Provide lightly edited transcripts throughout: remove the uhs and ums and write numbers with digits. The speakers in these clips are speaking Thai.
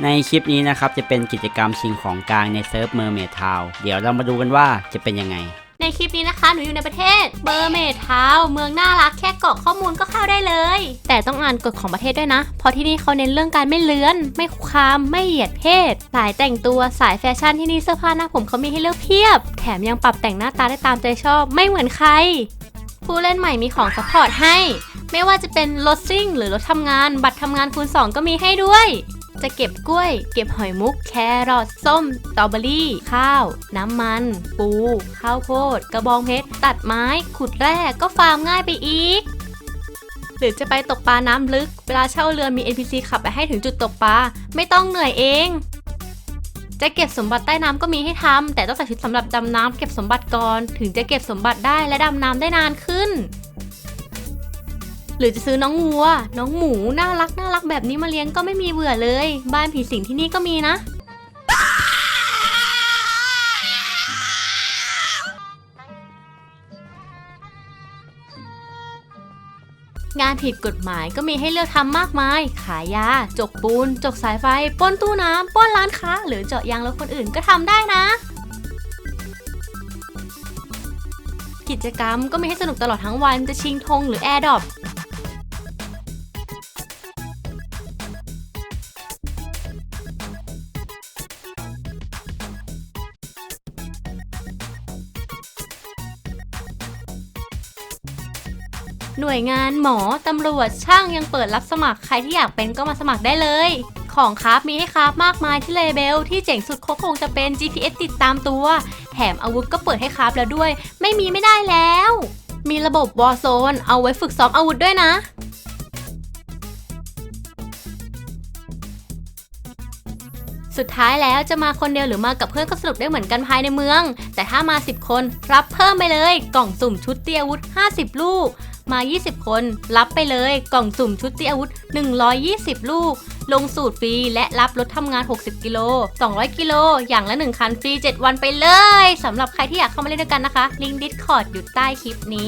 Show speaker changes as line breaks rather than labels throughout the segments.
ในคลิปนี้นะครับจะเป็นกิจกรรมชิงของกลางในเซิร์ฟเมอร์เมดทาวน์เดี๋ยวเรามาดูกันว่าจะเป็นยังไง
ในคลิปนี้นะคะหนูอยู่ในประเทศเมอร์เมดทาวน์เมืองน่ารักแค่กรอกข้อมูลก็เข้าได้เลยแต่ต้องอ่านกฎของประเทศด้วยนะเพราะที่นี่เขาเน้นเรื่องการไม่เลื้อนไม่คุกคามไม่เหยียดเพศสายแต่งตัวสายแฟชั่นที่นี่เสื้อผ้าหน้าผมเขามีให้เลือกเพียบแถมยังปรับแต่งหน้าตาได้ตามใจชอบไม่เหมือนใครผู้เล่นใหม่มีของซัพพอร์ตให้ไม่ว่าจะเป็นรถซิ่งหรือรถทำงานบัตรทำงานคูณ2ก็มีให้ด้วยจะเก็บกล้วยเก็บหอยมุกแครอทส้มสตรอเบอรี่ข้าวน้ำมันปูข้าวโพดกระบองเพชรตัดไม้ขุดแร่ก็ฟาร์มง่ายไปอีกหรือจะไปตกปลาน้ำลึกเวลาเช่าเรือมี NPC ขับไปให้ถึงจุดตกปลาไม่ต้องเหนื่อยเองจะเก็บสมบัติใต้น้ำก็มีให้ทำแต่ต้องใส่ชุดสำหรับดำน้ำเก็บสมบัติก่อนถึงจะเก็บสมบัติได้และดำน้ำได้นานขึ้นหรือจะซื้อน้องวัวน้องหมูน่ารักแบบนี้มาเลี้ยงก็ไม่มีเบื่อเลยบ้านผีสิงที่นี่ก็มีนะงานผิดกฎหมายก็มีให้เลือกทำมากมายขายยาจกปูนจกสายไฟปล้นตู้น้ำปล้นร้านค้าหรือเจาะยางรถคนอื่นก็ทำได้นะกิจกรรมก็มีให้สนุกตลอดทั้งวันจะชิงธงหรือแอร์ดรอปหน่วยงานหมอตำรวจช่างยังเปิดรับสมัครใครที่อยากเป็นก็มาสมัครได้เลยของคราฟมีให้คราฟมากมายที่เลเบลที่เจ๋งสุดคงจะเป็น GPS ติดตามตัวแถมอาวุธก็เปิดให้คราฟแล้วด้วยไม่ได้แล้วมีระบบ Warzone เอาไว้ฝึกซ้อมอาวุธด้วยนะสุดท้ายแล้วจะมาคนเดียวหรือมากับเพื่อนก็สนุกได้เหมือนกันภายในเมืองแต่ถ้ามา10คนรับเพิ่มไปเลยกล่องสุ่มชุดตีอาวุธ50ลูกมา20คนรับไปเลยกล่องสุ่มชุดตีอาวุธ120ลูกลงสูตรฟรีและรับรถทำงาน60กิโล200กิโลอย่างละ1คันฟรี7วันไปเลยสำหรับใครที่อยากเข้ามาเล่นด้วยกันนะคะลิงก์ Discord อยู่ใต้คลิปนี้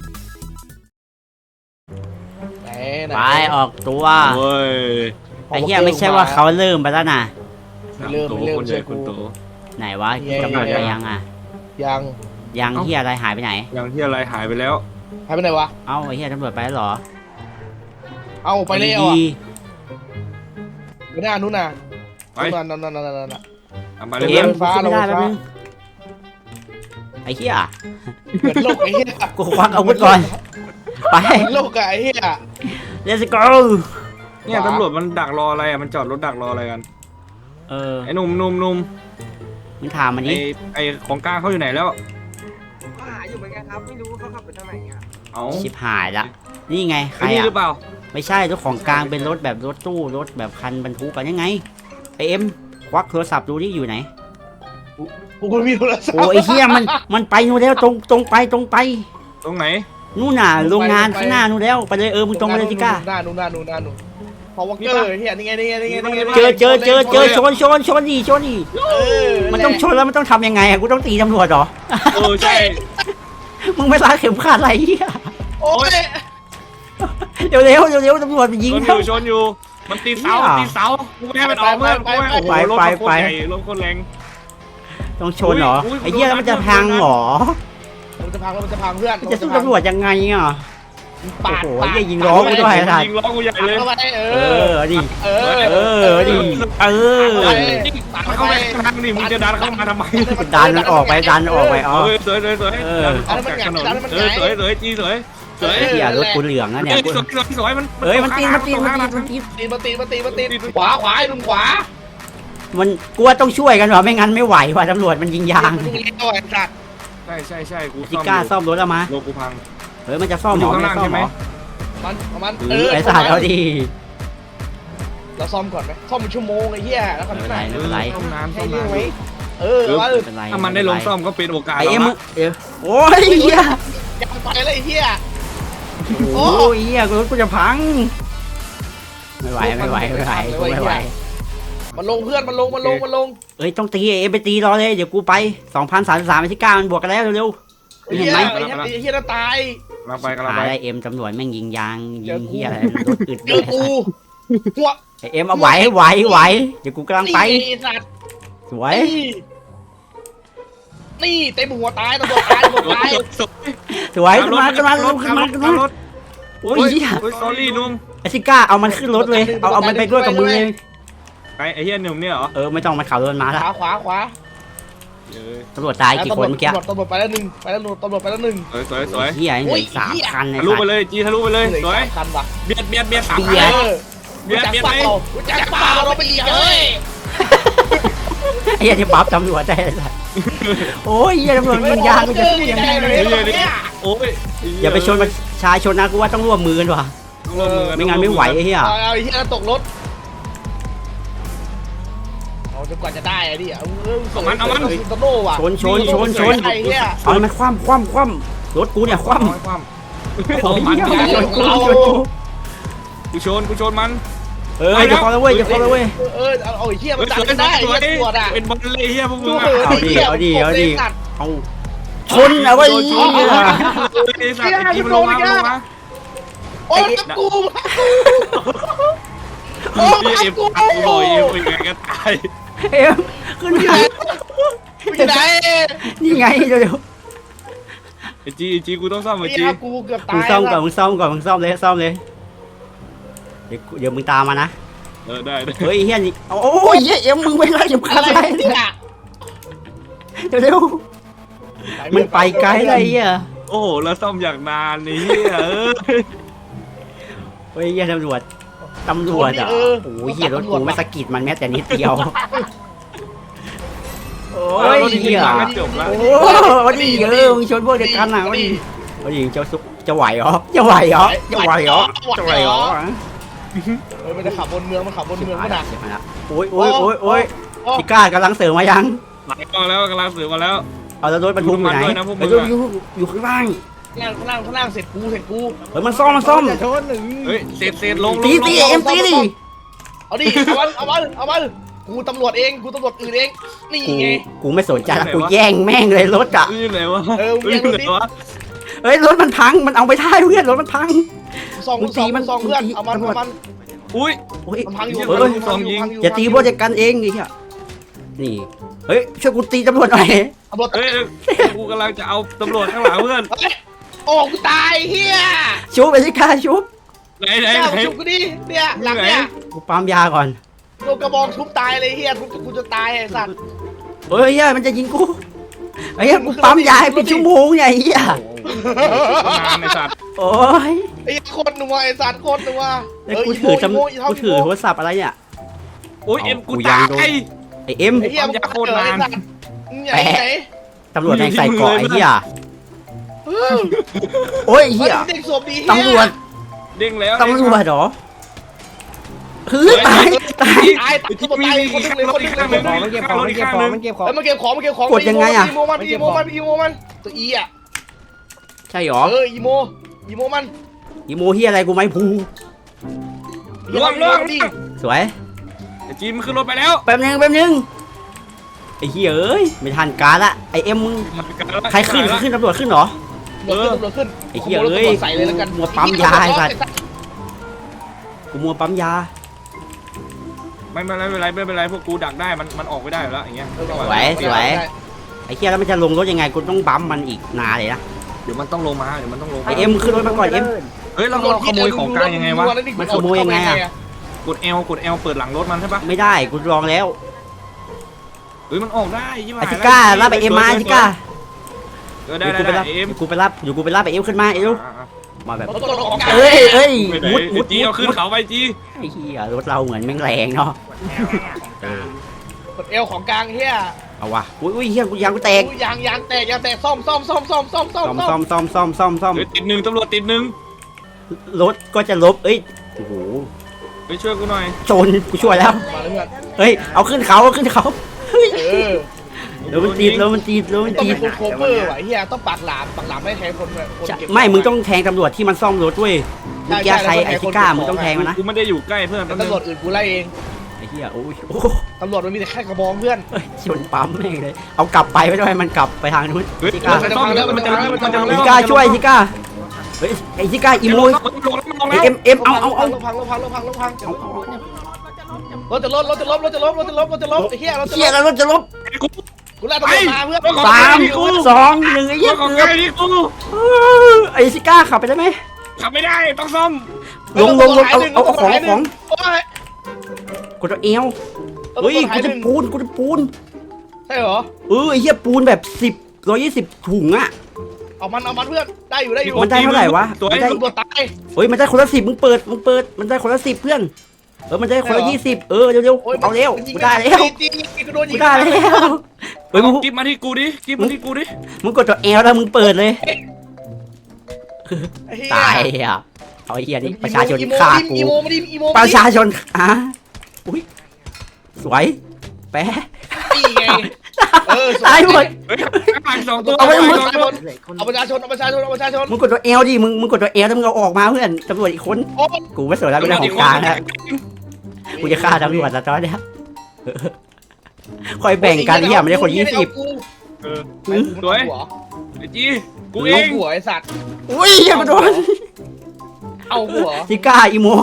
ไปออกตัว
เว้ย
ไอ้เหี้ยไม่ใช่ว่าเขาเริ่มไปแล้วนะ
เริ่มคนใหญ่คนโต
ไหนวะกำหนดไปยังอ่ะยังเหี้ยอะไรหายไปไหน
ยังที่อะไรหายไปแล้ว
หายไปไหนวะ
เอ้าไอ้เหี้ยตำรวจไปแล้วเหรอ
เอาไปเลยอ่ะไปหน้านู้นน่ะ
ไป
นั่น
มาเลย
เอ็มฟ้าไม่ได้แป๊บนึงไอ้เหี้ย
เหมือนโลกไอ้เหี้ย
กูควักอาวุธก่อนไป
โลกไอ้เหี้ย
Let's go
เนี่ยตำรวจมันดักรออะไรอ่ะมันจอดรถดักรออะไรกันไอ้หนุ่ม
มึงถามมันนี่
ไอ้ของกลางเขาอยู่ไหนแล้ว
ก็หาอยู่เหมือนกันครับไม่รู้เขาขับไปทางไหนอ่ะ
เอา
ชิบหายละนี่ไงใคร
หรือเปล่า
ไม่ใช่รถของกลางเป็นรถแบบรถตู้รถแบบคันบรรทุกกันยังไงไอเอ็มควักโทรศัพท์ดูที่อยู่ไหน
กูมีโทรศัพท์
โอ้ไอเหี้ยมันไปนู่นแล้วตรงไป
ตรงไหน
นู่นน่ะโรงงานข้างหน้านู่นแล้วไปเลยมึงตรงไปเลยจิก้า
หน้านู่นพอวอเกอร์เหี้ยนี่ไง
เจอชนดิมันต้องชนแล้วมันต้องทำยังไงกูต้องตีตำรวจเหรอ
ใช่
มึงไม่รัดเข็มขัดอะไรเหี้ย
โอ้ย
เร็วตำรวจมันยิง
ชนอยู่มันตีเสากูไม่ให้มันออกเมื่อไปรถคนแรง
ต้องชนเหรอไอ้เหี้ยแล้วมันจะพังเหรอ
มันจะพังเพื่อน
จะสู้ตำรวจยังไงอ่ะโอ้โหยิงล้อกูด้วยท่าน
ยิงล้อกูใหญ่เลย
ดิ
เข้าไปทางนี่มึงจะดันเข้ามาทำไม
ดันมันออกไปอ๋อ
สวย
อย่ารถกูเหลืองนะเนี่ย
สวยมัน
มันตี
ขวาลุงขวา
มันกลัวต้องช่วยกันหรอไม่งั้นไม่ไหวว่ะตำรวจมันยิงยาง
ใช่กู
จิก้าซ่อมรถแล้วมา
โลกูพัง
มันจะซ่อมหมอไม่ซ่อมหมอ
มัน
ไอ้สายเอาดี
เราซ่อมก่อนไหมซ่อมเป็นชั่วโมงไอ้เหี้ยแล้วกัน
ไม่เป็นไร
ซ่อมน้ำ
ถ้
ามันได้ลงซ่อมก็เป็นโอกาส
ไอ้โอ้ยเหี้ย
ยังไปเลยไอ้เหี้ย
โอ้ยเหี้ยรถกูจะพังไม่ไหว
มันลงเพื่อนมันลง
ต้องตีไปตีรอเลยเดี๋ยวกูไป2033ไปที่9มันบวกกันแล้วเร็วเห็นไหม
ไอ้เหี้ยจะตาย
กำลังไป
ได้เอ็มตำรวจแม่งยิงยางยิงเหี้ยอะไรรถอึด
เจอกูหัว
ไอเอ็มเอาไหวเดี๋ยวกูกำลังไป
นี่สัตว์
สวย
นี่เต็มหัวตายตำรวจตายตำรวจตาย
สวยขึ้นมาโอ้ยเหี้ย
โอ้ย sorry นุ่ม
ไอซิก้าเอามันขึ้นรถเลยเอามันไปด้วยกับมือเลย
ไอ้เหี้ยหนุ่มเนี่ยเหรอ
ไม่ต้องมันขับรถมา
ข
ละ
วา
ตำรวจตายกี่คนเมื่อกี้
ตำรวจไปแล้วหนึ่งตำรวจไปแล้วหนึ่ง
สวย
เฮียเหลือ3 คัน
ทะลุไปเลยจีทะลุไปเลยสวย
คันว่ะ
เบียด3
เบียด
เบียดไป
รู้จักเปล่าเราไปดีเลย
ไอ้เหี้ยที่ปั๊บตำรวจได้เลยโอ้ยเฮียตำรวจยิงยางกูจะสู้ยังไง
โอ้ย
อย่าไปชนประชาชนนะกูว่าต้องร่วมมือกันว่ะไม่งั้นไม่ไหวไอ้เหี้ย
เอาไอ้เหี้ยตกรถเอาจนกว่าจะได้ไอ้ดิเอามันตโน่ว่ะ
ชน
ไอ้เหี้ย
เอามันคว่ำรถกูเนี่ยคว่ำ
เอามัน
กูชน
กูชนมัน
อย่าคอแล้วเว้ย
เอาไอ้เหี้ยมันจับกันได้ไอ้เหี้ยตำรวจอ่ะ
เป็นบอลเลยเหี้ยพวกมึง
เอาดิเอาชนเอาไว้
ไอ้สัตว์ไอ้จีมันลงมา
โอ้ยกูโอ้ย
เอ็ม
กู
กูลอยเอ็มยังไงก็ตาย
เอ็มขึ้นมา
อยู่ไหน
นี่ไงเดี๋ยว
ไอ้จีกูต้องซ่อมไอ้
ไอ้
จี
เหี้ยกูเกือบตาย
มึงซ่อมเลยเดี๋ยวมึงตามมานะ
ได้
เฮ้ยเฮียนี่โอ้ยเอ็มมึงไปไล่อย่าขั
อะ
ด
ไร
ไล่
เนี่ย
เร็วมันไปไกลเลยอ่ะ
โอ้โหแล้วซ่อมอย่างนานนี่
เฮ้ยเฮียตำรวจอ่ะโอ้ยเฮียรถกูไม่สะกิดมันแม้แต่นิดเดียวโอ้ยเฮีย
จบแล้ว
โอ้ดีมึงชนพวกเด็กกันนะวันนี้จะไหวเหรอ
มันจะขับบนเมืองมันขับบนเมืองมันหนัก
โอ้ยพี่ก้ากำลังเสริมมายัง
หลังกล้องแล้วกำลังสื่อมาแล้ว
เอาแล้วรถบรรทุกอยู่ไหนอยู่ข้างล่าง
ข้างล่างเสร็จกู
เฮ้ยมันซ่อม
เฮ้ยเสร็จลง
ตีเอ็มตีดิ
เอาดิเอามันกูตำรวจเองกูตำรวจอื่นเองนี่ไง
กูไม่สนใจละกูแย่งแม่งเลยรถอ่ะ
อยู่ไหนวะ
เฮ้ยรถมันพังมันเอาไปได้เพื่อนรถมันพัง
ซองเพื่อนเอามัน
อุ้ย
มันพังอยู่
อย่าตีพวกเด็กกันเองดิเฮียนี่เฮ้ยช่วยกูตีตำรวจหน่อย
ตำรวจ
เฮ้ยกูกำลังจะเอาตำรวจข้างหลังเพื่อน
โอ้กูตายเฮีย
ชุบไปสิค่ะชุบ
ไหน
ชุบกูดิเนี่ยหลังเนี่ย
กูปั๊มยาก่อน
โดนกระบองทุบตายเลยเฮียทุบกูจะตายไอ้สัตว์
เฮ้ยเฮียมันจะยิงกูไอ้เฮียกูปั๊มยาให้เป็นชั่วโมงเนี่ยเฮีย
งานในสัตว์
โอ้ย
ไอ้โคตรนัวไอ้สัตว์โคตรนัว
กูถือโทรศัพท์อะไรเนี่ย
โอ้ยเอ็มกูตาย
ไอเอ็ม
ไอ้เฮียมึงโคตรนานไหน
ตำรวจแม่งใส่เกราะไอ้เหี้ยโอ้ยเหี้ย
เด็กสวมดี
ตำรวจ
เด้งแล้ว
ตำรวจเหรอคือตาย
ตายคนนึงเลยคนนึงเลย
มันเก็บของมันเก็บของมันเก็บของ
มันเก็บของอีโมมันตัวอีอ่ะ
ใช่หรอ
อีโมมัน
อีโมเหี้ยอะไรกูไม่พู
ล่วง
สวย
จีมขึ้นรถไปแล้ว
แป๊บนึงไอ้เหี้ยเอ้ยไม่ทันการละไอเอ็มมึงใครขึ้นตำรวจขึ้นเหรอ
ตำรวจขึ้น
ไอ้เหี้ยเอ้ย
ใส่เลยแล้วกัน
มัวปั๊มยาไอ้สัตว์กูมัวปั๊มยา
ไม่เป็นไรพวกกูดักได้มันออกไม่ได้แล้วอย่างเงี้ย
สวยไอ้เหี้ยแล้วมันจะลงรถยังไงกูต้องบั๊มมันอีกนานเลยนะ
เดี๋ยวมันต้องลงมา
ไอเอ็มขึ้นรถมาก่อนเอ็ม
เฮ้ยเราขโมยของกลางยังไงวะ
มันขโมยยังไงอะ
กด L เปิดหลังรถมันใช่ปะ
ไม่ได้กูลองแล้ว
เฮ้ยมันออกได้ยี่ห้อ
ไอซิก้ารับไปเอ็มมาไอซิก้า
ได้เอ็ม
กูไปรับไปเอ็มขึ้นมาเอ็มมาแบบ
เฮ้ย
เอ้ย
มุดจีเอาขึ้นเขาไปจี
ไอ้เหี้ยรถเราเหมือนแม่งแรงเนาะ
กดเอวของกลางเฮีย
เอาวะอุ้ยเหี้ยกูยางกูแตก
ยางแตกซ่อม
ติดหนึ่งตำรวจติดหนึ่ง
รถก็จะลบเอ้ยโอ้โห
ไปช่วยกูหน่อย
ชนกูช่วยแล้ว
มาเพื่อน
เฮ้ยเอาขึ้นเขาแล้วมันตี
ต้องเป็นคนโคเวอร์ว่ะเฮียต้องปากหลามไม่แทงคนเก็บ
ไม่มึงต้องแทงตำรวจที่มันซ่อมรถด้วยมึงแก้ใครไอซิก้ามึงต้องแทงมันนะ
กูไม่ได้อยู่ใกล้เพื่อน
ตำรวจอื่นกูไล่เอง
ไอ้เหี้ยโอ้ย
ตำรวจมันมีแต่แค่กระบองเพื่อน
ชนปั๊มแม่งเลยเอากลับไปไม่ได้มันกลับไปทางนู้น
เฮ้ยมันจะ
ซิก้าช่วยซิก้าเฮ้ยไอซิก้าอีโม
ลงแล้วมันลงแล้ว
เอ็มเอา
ลงพังรถจะล้มไอ้เหี้ยรถจะ
เชี่ย
ล้ม
แล้วรถจะลบ
กูไล่ตำรวจมาเพื่อน
3 2 1ไอ้เหี้ย
ของ
เกื
ใค
อบ
รที่กู
ไอ้ซิก้าขับไปได้ไหม
ขับไม่ได้ต้องซ่อม
ลงเอาของกดตัวเอวเฮ้ยกูจะปูน
ใช่เหรอ
ไอ้เหี้ยปูนแบบ120ถุงอะ
เอามันเพื่อนได้อยู่
มันได้เท่าไหร่วะ
สวย
มันได้
ตำรวจตาย
เฮ้ยมันได้คนละ10มึงเปิดมันได้คนละ10เพื่อนมันได้คนละ20เร็วๆเอาเร็วกูได้แล้ว
จริงกูโดนยิ
กู
ง
ได้แล้วเฮ้ยมึง
กิ๊บมาที่กูดิกิ๊บมาที่กูดิ
มึงกดตัวเอลแล้วมึงเปิดเลยตายอ่ะเอาไอ้เหี้ยนี่ประชาชนฆ่ากู
อีโมมา
ประชาชนอุ้ยสวยแปะ
นี่ไง
ตายหมด
เฮ้ยข้าง2ตัว
เอาประชาชน
มึงกดตัวเอลดิมึงกดตัวเอลแล้วมึงเอาออกมาเพื่อนตำรวจอีกคน
โอ้
กูไม่สนแล้วเป็นเรื่องของกลางนะกูจะฆ่าตำรวจแล้วตอนเนี้ยคอยแบ่งกันที่ไม่ได้คน20
สวยไอ้จีกูเอ
เอา
ง
หัวไอ้สัตว์
อุ้ยอย่ามาโดน
เอาหัว
ซิก้าอีโม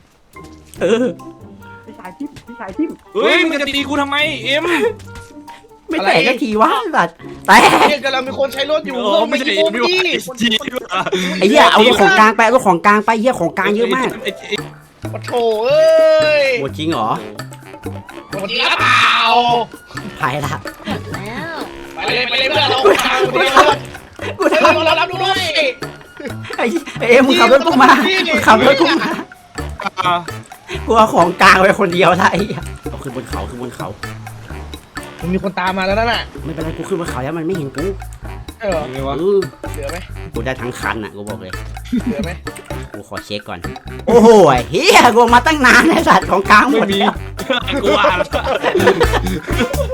พี่ชายทิม
เฮ้ยมึงจะตีกูทำไมเอ็ม
ไม่แตกสักทีวะสัตว์แต่
เนี่ยกำลังมีคนใช้รถอยู่
ไม่ใช่
โอ้
ไม่
ไม่
ว่า
ดี
จี
ไอ้เหี้ยเอารถของกลางไปเอารถของกลางไปเหี้ยของกลางเยอะมาก
ปะโถเอ้ย
โหจริงเหรอ
หมดแล้วเปล่า
หายละ
ไปเลยเพื่อนเรา
กู
เฮ้ย
ทำ
เรารับดูด้วย
ไอ้เอ็มมึงขับรถกูมาขับรถกูมากูเอาของกลางไปคนเดียวละไอ้เหี้ยเอาขึ้นบนเขา
มันมีคนตามมาแล้วนั่นน่ะ
ไม่เป็นไรกูขึ้นบนเขาแล้วมันไม่เห็นกู
เออ
ไงวะ
เหลือไหม
กูได้ทั้งคันอ่ะกูบอกเลย
เหลือไหม
กูขอเช็คก่อนโอ้โหเฮียกูมาตั้งนานไอ้สัตว์ของกลางหม
ไม่
ด
มี
แล้ว
กูว่าแล้ว